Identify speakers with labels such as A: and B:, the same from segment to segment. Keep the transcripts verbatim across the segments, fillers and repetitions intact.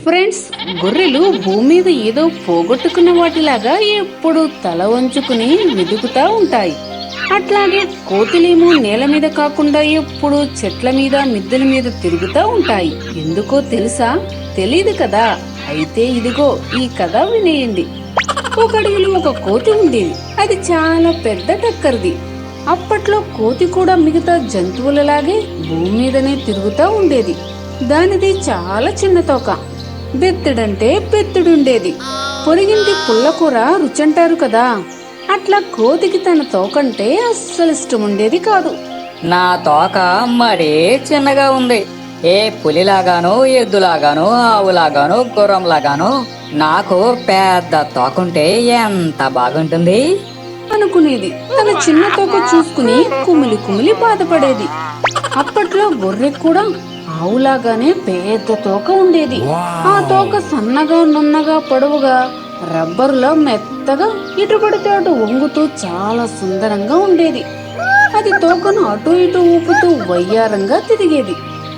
A: Friends, గొర్రెలు భూమి మీద ఏదో పోగొట్టుకున్న వాటిలాగా ఎప్పుడు తల వంచుకుని వెతుకుతా ఉంటాయి. అట్లాగే కోతులేమో నేల మీద కాకుండా ఎప్పుడు చెట్ల మీద మిద్దెల మీద తిరుగుతా ఉంటాయి. ఎందుకో తెలుసా? తెలీదు కదా. అయితే ఇదిగో ఈ కథ వినేయండి. ఒక అడవిలో ఒక కోతి ఉండేది. అది చాలా పెద్ద టక్కరిది. అప్పట్లో కోతి కూడా మిగతా జంతువులలాగే భూమి మీదనే తిరుగుతా ఉండేది. దానిది చాలా చిన్న తోక. బెత్తడంటే బెత్తడుండేది. పొరిగింటి పుల్లకూర రుచంటారు కదా, అట్లా కోతికి తన తోకంటే అస్సలు ఇష్టం ఉండేది కాదు.
B: నా తోక మరీ చిన్నగా ఉంది. ఏ పులిలాగాను, ఎద్దులాగాను, ఆవులాగాను, గుర్రంలాగాను నాకు పెద్ద తోకుంటే ఎంత బాగుంటుంది
A: అనుకునేది. తన చిన్న తోక చూసుకుని కుమిలి కుమిలి బాధపడేది. అప్పట్లో గొర్రె కూడా ఆవులాగానే పెద్ద తోక ఉండేది. ఆ తోక సన్నగా, నున్నగా, పొడవుగా, రబ్బరులో మెత్తగా, ఇటు పడితే అటు వంగుతూ చాలా సుందరంగా ఉండేది. అది తోకను అటు ఇటు ఊపుతూ వయ్యారంగా తిరిగేది.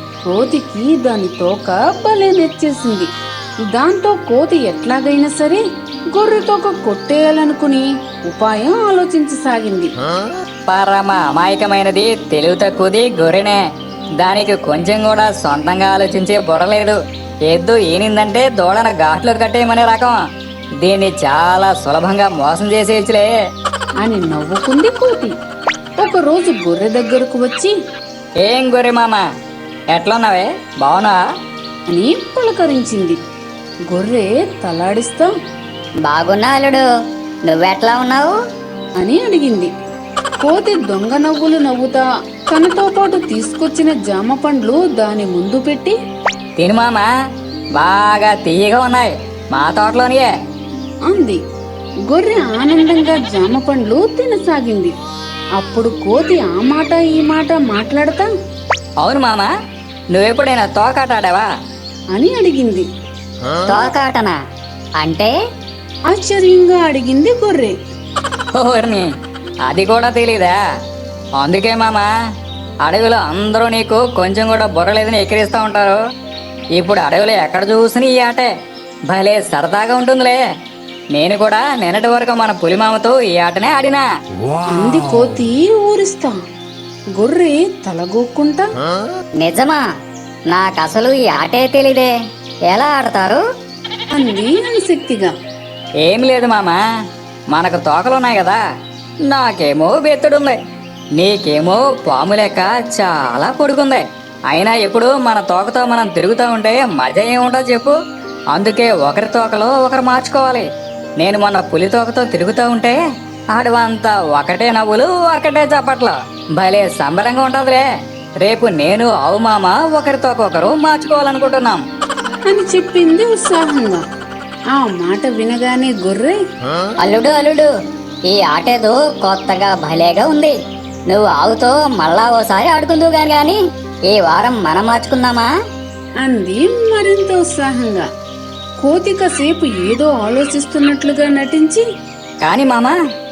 A: కోతికి దాని తోక భలే నచ్చేసింది. దాంతో కోతి ఎట్లాగైనా సరే గొర్రె తోక కొట్టేయాలనుకుని ఉపాయం ఆలోచించసాగింది.
B: పరమ అమాయకమైనది, తెలివి తక్కువది గొర్రెనే. దానికి కొంచెం కూడా సొంతంగా ఆలోచించే బుర్రలేదు. ఎద్దు ఈనిందంటే దూడన ఘాట్లో కట్టేయమనే రకం. దీన్ని చాలా సులభంగా మోసం చేసేయచ్చులే
A: అని నవ్వుకుంది కోతి. ఒక రోజు గొర్రె దగ్గరకు వచ్చి,
B: ఏం గొర్రె మామ, ఎట్లున్నావే, బావునా
A: అని పలకరించింది. గొర్రె తలాడిస్తా,
C: బాగున్నా అల్లుడు, నువ్వెట్లా ఉన్నావు
A: అని అడిగింది. కోతి దొంగ నవ్వులు నవ్వుతా తనతో పాటు తీసుకొచ్చిన జామ పండ్లు దాని ముందు పెట్టి,
B: తిను మామ, బాగా తీయగా ఉన్నాయి, మా తోటలోనియే
A: అంది. గొర్రె ఆనందంగా జామ పండ్లు తినసాగింది. అప్పుడు కోతి ఆ మాట ఈ మాట మాట్లాడతా,
B: అవును మామ, నువ్వెప్పుడైనా తోకాటాడావా
A: అని అడిగింది.
C: తోకాటనా అంటే?
A: ఆశ్చర్యంగా అడిగింది గొర్రె.
B: ఓర్ని, అది కూడా తెలీదా? అందుకే మామ, అడవిలో అందరూ నీకు కొంచెం కూడా బుర్రలేదని ఎక్కిరిస్తూ ఉంటారు. ఇప్పుడు అడవిలో ఎక్కడ చూసినా ఈ ఆటే భలే సరదాగా ఉంటుందిలే. నేను కూడా నిన్నటి వరకు మన పులిమామతో ఈ ఆటనే ఆడినా
A: అంది కోతి ఊరిస్తా. గొర్రె తలగొక్కుంటా,
C: నిజమా? నాకసలు ఈ ఆటే తెలీదే, ఎలా ఆడతారు
A: అంది ఆసక్తిగా.
B: ఏం లేదు మామ, మనకు తోకలున్నాయి కదా, నాకేమో బెత్తుడుంది, నీకేమో పాము లెక్క చాలా పొడుగుంది. అయినా ఎప్పుడు మన తోకతో మనం తిరుగుతూ ఉంటే మజా ఏముంటుంది చెప్పు? అందుకే ఒకరి తోకలో ఒకరు మార్చుకోవాలి. నేను మొన్న పులి తోకతో తిరుగుతూ ఉంటే ఆడవంతా ఒకటే నవ్వులు, ఒకటే చప్పట్లు, భలే సంబరంగా ఉంటుందిలే. రేపు నేను ఆవు మామ ఒకరి తోక ఒకరు మార్చుకోవాలనుకుంటున్నాం
A: అని చెప్పింది ఉత్సాహంగా. ఆ మాట వినగానే గొర్రె,
C: అల్లుడు అల్లుడు, ఈ ఆటేదో కొత్తగా భలేగా ఉంది. నువ్వు ఆవుతో మళ్ళా ఓసారి ఆడుకుందువు గాని గాని ఈ వారం మనం మార్చుకుందామా
A: అంది మరింత ఉత్సాహంగా. కోతి కాసేపు ఏదో ఆలోచిస్తున్నట్లుగా నటించి,
B: కానీ మామ,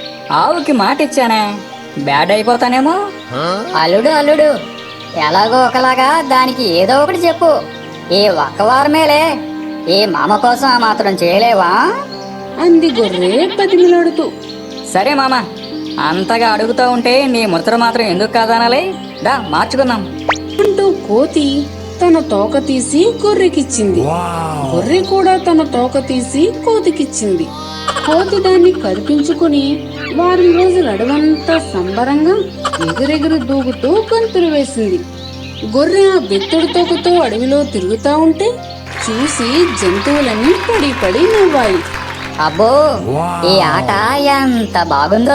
B: ఆవుకి మాట ఇచ్చానే, బ్యాడ్ అయిపోతానేమో.
C: అల్లుడు అల్లుడు, ఎలాగో ఒకలాగా దానికి ఏదో ఒకటి చెప్పు. ఈ ఒక్క వారమేలే, ఈ మామ కోసం ఆ మాత్రం చేయలేవా
A: అంది గొర్రె బతిమిలాడుతూ.
B: సరే మామ, అంతగా అడుగుతూ ఉంటే నీ ముచ్చట మాత్రం ఎందుకు కాదనాలి, దా మార్చుకుందాం
A: అంటూ కోతి తన తోక తీసి గొర్రెకిచ్చింది. గొర్రె కూడా తన తోక తీసి కోతికిచ్చింది. కోతి దాన్ని కరిపించుకుని వారం రోజులు అడవంతా సంబరంగా ఎగిరెగిరి దూకుతూ గంతులు వేసింది. గొర్రె ఆ బెత్తడి తోకతో అడవిలో తిరుగుతా ఉంటే చూసి జంతువులన్నీ పడి పడి నవ్వాయి.
C: అబ్బో, ఈ ఆట ఎంత బాగుందో,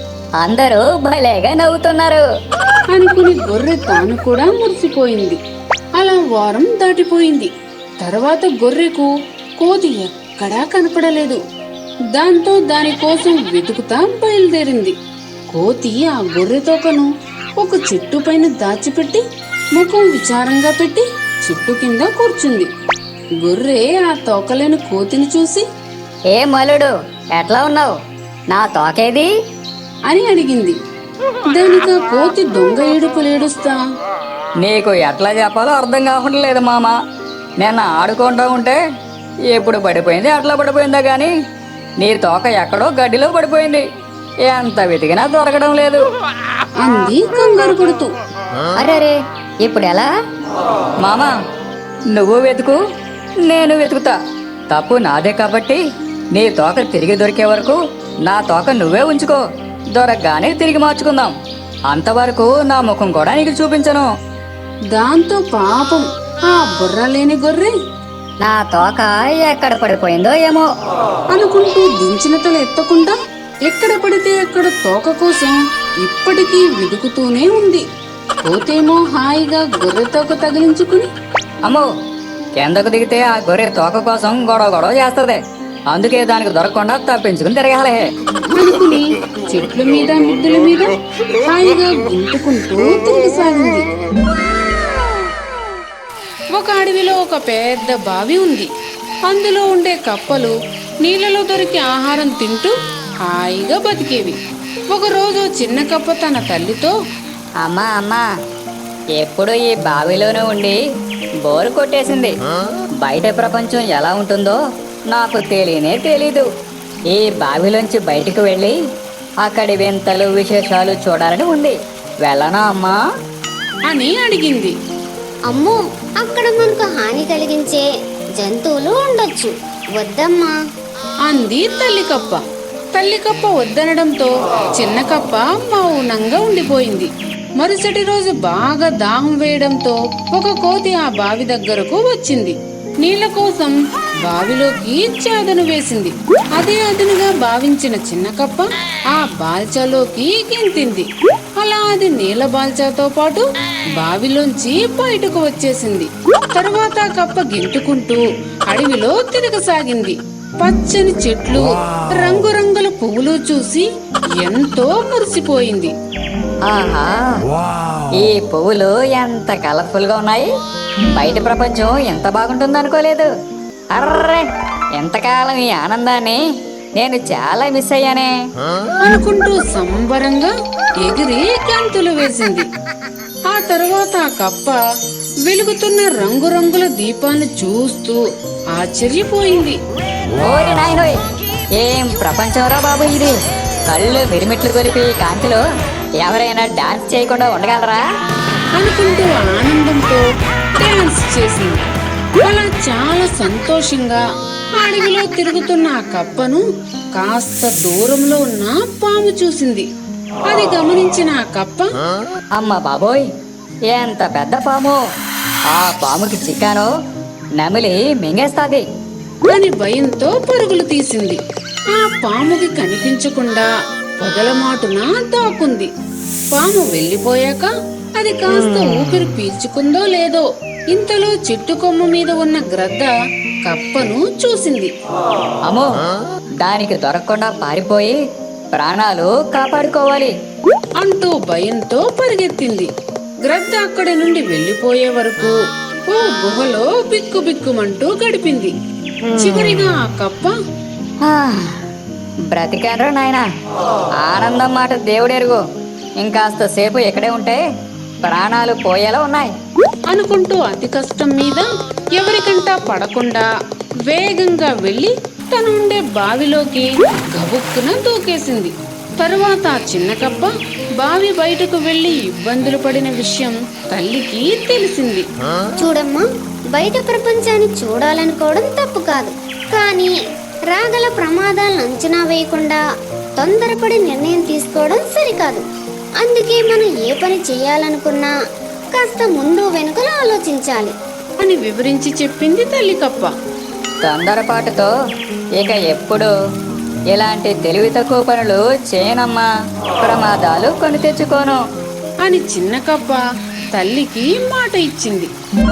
C: అందరూ భలేగా నవ్వుతున్నారు
A: అనుకుని గొర్రె తాను కూడా మురిసిపోయింది. అలా వారం దాటిపోయింది. తర్వాత గొర్రెకు కోతి ఎక్కడా కనపడలేదు. దాంతో దానికోసం వెతుకుతా బయలుదేరింది. కోతి ఆ గొర్రె తోకను ఒక చెట్టు పైన దాచిపెట్టి ముఖం విచారంగా పెట్టి చెట్టు కింద కూర్చుంది. గొర్రె ఆ తోకలేని కోతిని చూసి,
C: ఏ మలుడు, ఎట్లా ఉన్నావు, నా తోకేది
A: అని అడిగింది. దానికా కోతి దొంగ ఏడుపులేడుస్తా,
B: నీకు ఎట్లా చెప్పాలో అర్థం కావట్లేదు మామ. నేను ఆడుకుంటూ ఉంటే ఎప్పుడు పడిపోయింది అట్లా పడిపోయిందా కానీ నీ తోక ఎక్కడో గడ్డిలో పడిపోయింది. ఎంత వెతికినా దొరకడం లేదు.
A: అంది కంగారు పడుతూ.
C: అరే ఇప్పుడు ఎలా?
B: మామా నువ్వు వెతుకు, నేను వెతుకుతా. తప్పు నాదే కాబట్టి నీ తోక తిరిగి దొరికే వరకు నా తోక నువ్వే ఉంచుకో. దొరకగానే తిరిగి మార్చుకుందాం. అంతవరకు నా ముఖం కూడా నీకు చూపించను.
A: దాంతో పాపం ఆ బుర్ర లేని గొర్రె
C: నా తోక ఎక్కడ పడిపోయిందో ఏమో
A: అనుకుంటూ దించిన తల ఎత్తకుండా ఎక్కడ పడితే అక్కడ తోక కోసం ఇప్పటికీ వెతుకుతూనే ఉంది. కోతేమో హాయిగా గొర్రె తోక తగిలించుకుని
B: అమ్మో, కిందకు దిగితే ఆ గొర్రె తోక కోసం గొడవ గొడవ చేస్తుంది. అందుకే దానికి దొరకకుండా తప్పించుకుని తిరగాలే
A: అనుకుని చెట్ల మీద మిద్దెల మీద హాయిగా గుంటుకుంటూ తిరిగిసాగింది. ఒక అడవిలో ఒక పెద్ద బావి ఉంది. అందులో ఉండే కప్పలు నీళ్ళలో దొరికి ఆహారం తింటూ హాయిగా బతికేవి. ఒకరోజు చిన్న కప్ప తన తల్లితో,
C: అమ్మా అమ్మా ఎప్పుడు ఈ బావిలోనే ఉండి బోరు కొట్టేసింది. బయట ప్రపంచం ఎలా ఉంటుందో నాకు తెలియనే తెలీదు. ఈ బావిలోంచి బయటికి వెళ్ళి అక్కడి వింతలు విశేషాలు చూడాలని ఉంది. వెళ్ళనా అమ్మా
A: అని అడిగింది.
D: అమ్మో, అక్కడ మనకు హాని కలిగించే జంతువులు ఉండొచ్చు, వద్దమ్మా
A: అంది తల్లి కప్ప. తల్లి కప్ప వద్దనడంతో చిన్న కప్ప మౌనంగా ఉండిపోయింది. మరుసటి రోజు బాగా దాహం వేయడంతో ఒక కోతి ఆ బావి దగ్గరకు వచ్చింది. నీళ్ల కోసం బావిలోకి చాదను వేసింది. అదే అదునుగా భావించిన చిన్న కప్ప ఆ బాల్చాలోకి గెంతింది. అలా అది నీళ్ల బాల్చాతో పాటు బావిలోంచి బయటకు వచ్చేసింది. తరువాత కప్ప గెంతుకుంటూ అడవిలో తిరగసాగింది. పచ్చని చెట్లు, రంగురంగుల పువ్వులు చూసి ఎంతో మురిసిపోయింది.
C: ఆహా, ఈ పువ్వులు ఎంత కలర్ఫుల్ గా ఉన్నాయి. బయట ప్రపంచం ఎంత బాగుంటుంది అనుకోలేదు. అర్రే, ఎంతకాలం ఈ ఆనందాన్ని నేను చాలా మిస్ అయ్యానే
A: అనుకుంటూ సంబరంగా ఎగిరి గంతులు వేసింది. ఆ తరువాత ఆ కప్ప వెలుగుతున్న రంగురంగుల దీపాన్ని చూస్తూ ఆశ్చర్యపోయింది.
C: ఓరి నాయనోయ్, ఏం ప్రపంచంరా బాబు ఇది. కళ్ళు మిరిమిట్లు కొలిపి కాంతిలో ఎవరైనా డాన్స్ చేయకుండా ఉండగలరా
A: అనుకుంటూ ఆనందంతో డాన్స్ చేసింది. అలా చాలా సంతోషంగా అడవిలో తిరుగుతున్న ఆ కప్పను కాస్త దూరంలో ఉన్న పాము చూసింది. అది గమనించిన ఆ కప్ప,
C: అమ్మ బాబోయ్, ఎంత పెద్ద పాము. ఆ పాముకి చిక్కాను నమిలి మింగేస్తాది
A: అని భయంతో పరుగులు తీసింది. ఆ పాముకి కనిపించకుండా పొదల మాటున దాక్కుంది. పాము వెళ్లిపోయాక అది కాస్త ఊపిరి పీల్చుకుందో లేదో ఇంతలో చెట్టు కొమ్మ మీద ఉన్న గ్రద్ద కప్పను చూసింది.
C: అమ్మో, దానికి దొరకకుండా పారిపోయి ప్రాణాలు కాపాడుకోవాలి
A: అంటూ భయంతో పరిగెత్తింది. గ్రద్ద అక్కడి నుండి వెళ్లిపోయే వరకు ఓ గుహలో బిక్కు బిక్కుమంటూ గడిపింది. చివరిగా ఆ కప్ప,
C: బ్రతికాన్రా నాయనా, ఆనందం మాట దేవుడెరుగు. ఇంకాస్త సేపు ఇక్కడే ఉంటే ప్రాణాలు పోయేలా ఉన్నాయి
A: అనుకుంటూ అతి కష్టం మీద ఎవరికంటా పడకుండా వేగంగా వెళ్లి తనుండే బావిలోకి గబుక్కున దూకేసింది. తరువాత ఆ చిన్న కప్ప బావి బయటకు వెళ్లి ఇబ్బందులు పడిన విషయం తల్లికి తెలిసింది.
D: చూడమ్మా, బయట ప్రపంచాన్ని చూడాలనుకోవడం తప్పు కాదు, కానీ రాగల ప్రమాదాలను అంచనా వేయకుండా తొందరపడి నిర్ణయం తీసుకోవడం సరికాదు. అందుకే మనం ఏ పని చేయాలనుకున్నా కాస్త ముందు వెనుకలు ఆలోచించాలి
A: అని వివరించి చెప్పింది తల్లి కప్ప.
C: తొందరపాటుతో ఇక ఎప్పుడు ఇలాంటి తెలివి తక్కువ పనులు చేయనమ్మా, ప్రమాదాలు కొని తెచ్చుకోను
A: అని చిన్న కప్ప తల్లికి మాట ఇచ్చింది.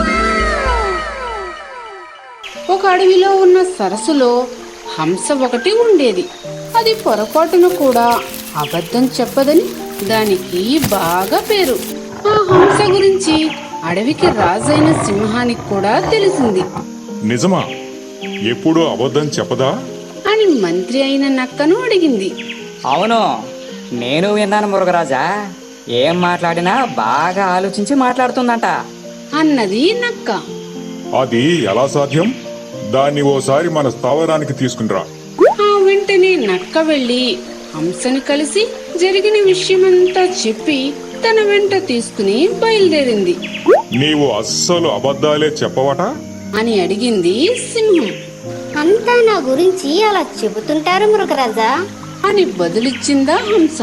A: ఒక అడవిలో ఉన్న సరస్సులో హంస ఒకటి ఉండేది. అది పొరపాటున కూడా అబద్ధం చెప్పదని దానికి బాగా పేరు. ఆ హంస గురించి అడవికి రాజైన సింహానికి కూడా తెలిసింది.
E: నిజమా? ఎప్పుడూ అబద్ధం చెప్పదా
A: అని మంత్రి అయిన నక్కను అడిగింది.
B: అవును, నేను విన్నాను మురుగరాజా. ఏం మాట్లాడినా బాగా ఆలోచించి మాట్లాడుతుందంట
A: అన్నది నక్క.
E: అది ఎలా సాధ్యం? దాన్ని ఓసారి మన స్థావరానికి తీసుకునిరా.
A: ఆ వెంటనే నక్క వెళ్లి హంసని కలిసి జరిగిన విషయమంతా చెప్పి తన వెంట తీసుకుని బయలుదేరింది.
E: నీవు అస్సలు అబద్ధాలే చెప్పవట?
A: అని అడిగింది సింహం.
D: అంతా నా గురించి అలా చెబుతుంటారు మృగరాజా.
A: అని బదులిచ్చిందా హంస.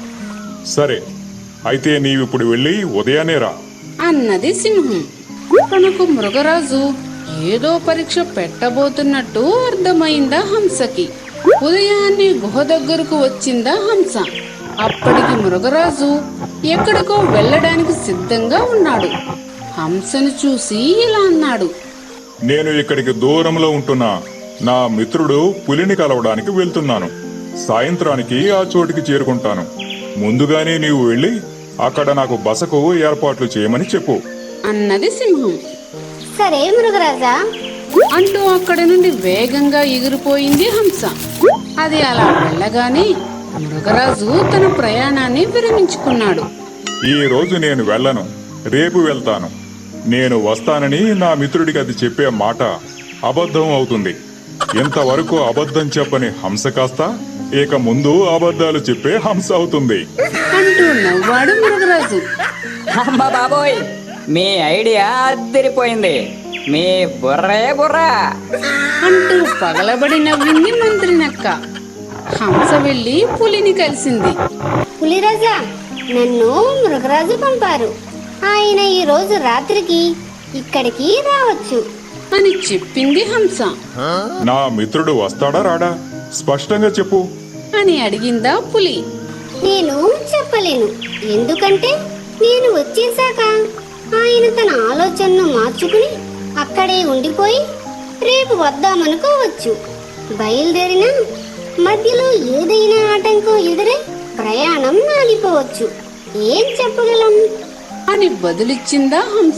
E: సరే, అయితే నీవిప్పుడు వెళ్ళి ఉదయాన్నే రా.
A: అన్నది సింహం. తనకు మృగరాజు ఏదో పరీక్ష పెట్టబోతున్నట్టు అర్థమైందా హంసకి. ఉదయాన్నే గుహ దగ్గరకు వచ్చిందా హంస. అప్పటికి మృగరాజు ఎక్కడికో వెళ్ళడానికి సిద్ధంగా ఉన్నాడు. హంసను చూసి ఇలా అన్నాడు.
E: నేను ఇక్కడికి దూరంలో ఉంటున్న నా మిత్రుడు పులిని కలవడానికి వెళ్తున్నాను. సాయంత్రానికి ఆ చోటికి చేరుకుంటాను. ముందుగానే నీవు వెళ్ళి అక్కడ నాకు బసకు ఏర్పాట్లు చేయమని చెప్పు.
A: అన్నది సింహం.
D: సరే మృగరాజా.
A: అంటూ అక్కడ నుండి వేగంగా ఎగిరిపోయింది హంస. అది అలా వెళ్ళగానే మృగరాజు తన ప్రయాణాన్ని విరమించుకున్నాడు.
E: ఈ రోజు నేను వెళ్ళను, రేపు వెళ్తాను. నేను వస్తానని నా మిత్రుడికి అది చెప్పే మాట అబద్ధం అవుతుంది. ఇంతవరకు అబద్ధం చెప్పని హంస కాస్త ఇక ముందు అబద్ధాలు చెప్పే హంస అవుతుంది
A: అంటూ నవ్వాడు మృగరాజు.
B: అమ్మ బాబోయ్, మీ ఐడియా అద్దరిపోయింది. మీ బుర్రే బుర్రా.
A: అంటూ పగలబడి నవ్వింది మంత్రి నక్క. హంస వెళ్లి పులిని కలిసింది.
D: పులిరాజా, నన్ను మృగరాజు పంపారు. ఆయన ఈ రోజు రాత్రికి ఇక్కడికి రావచ్చు
A: అని చెప్పింది హంస.
E: నా మిత్రుడు వస్తాడా రాడా? స్పష్టంగా చెప్పు
A: అని అడిగిందా పులి.
D: నేను చెప్పలేను, ఎందుకంటే నేను వచ్చేశాక ఆయన తన ఆలోచనను మార్చుకుని అక్కడే ఉండిపోయి రేపు వద్దామనుకోవచ్చు. బయలుదేరిన మధ్యలో ఏదైనా ఆటంకం ఎదురై ప్రయాణం ఆగిపోవచ్చు. ఏం చెప్పగలం
A: అని బదులిచ్చిందా హంస.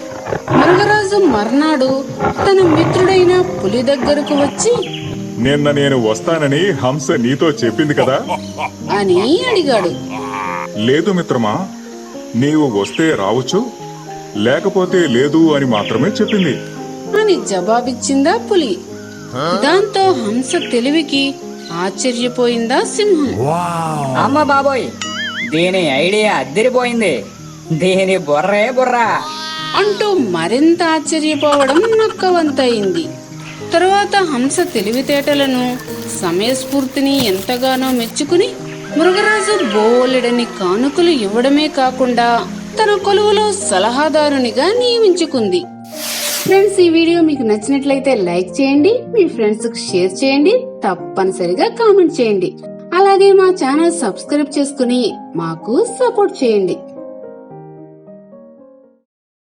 A: మృగరాజు మర్నాడు తన మిత్రుడైన పులి దగ్గరకు వచ్చి
E: నిన్న నేను వస్తానని హంస నీతో చెప్పింది కదా
A: అని అడిగాడు.
E: లేదు మిత్రమా, నీవు వస్తే రావచ్చు, లేకపోతే లేదు అని మాత్రమే చెప్పింది
A: అని జవాబిచ్చిందా పులి. దాంతో హంస తెలివికి ఆశ్చర్యపోయిందా సింహం.
B: అమ్మ బాబోయ్, దీని ఐడియా అద్దరిపోయింది. దీని బుర్రే బుర్రా.
A: అంటూ మరింత ఆశ్చర్యపోవడం నక్కవంతయింది. తరువాత హంస తెలివితేటలను సమయస్ఫూర్తిని ఎంతగానో మెచ్చుకుని మృగరాజు బోలెడని కానుకలు ఇవ్వడమే కాకుండా తన కొలువులో సలహాదారునిగా నియమించుకుంది. ఫ్రెండ్స్, ఈ వీడియో మీకు నచ్చినట్లయితే లైక్ చేయండి, మీ ఫ్రెండ్స్ కు షేర్ చేయండి, తప్పనిసరిగా కామెంట్ చేయండి. అలాగే మా ఛానల్ సబ్స్క్రైబ్ చేసుకుని మాకు సపోర్ట్ చేయండి.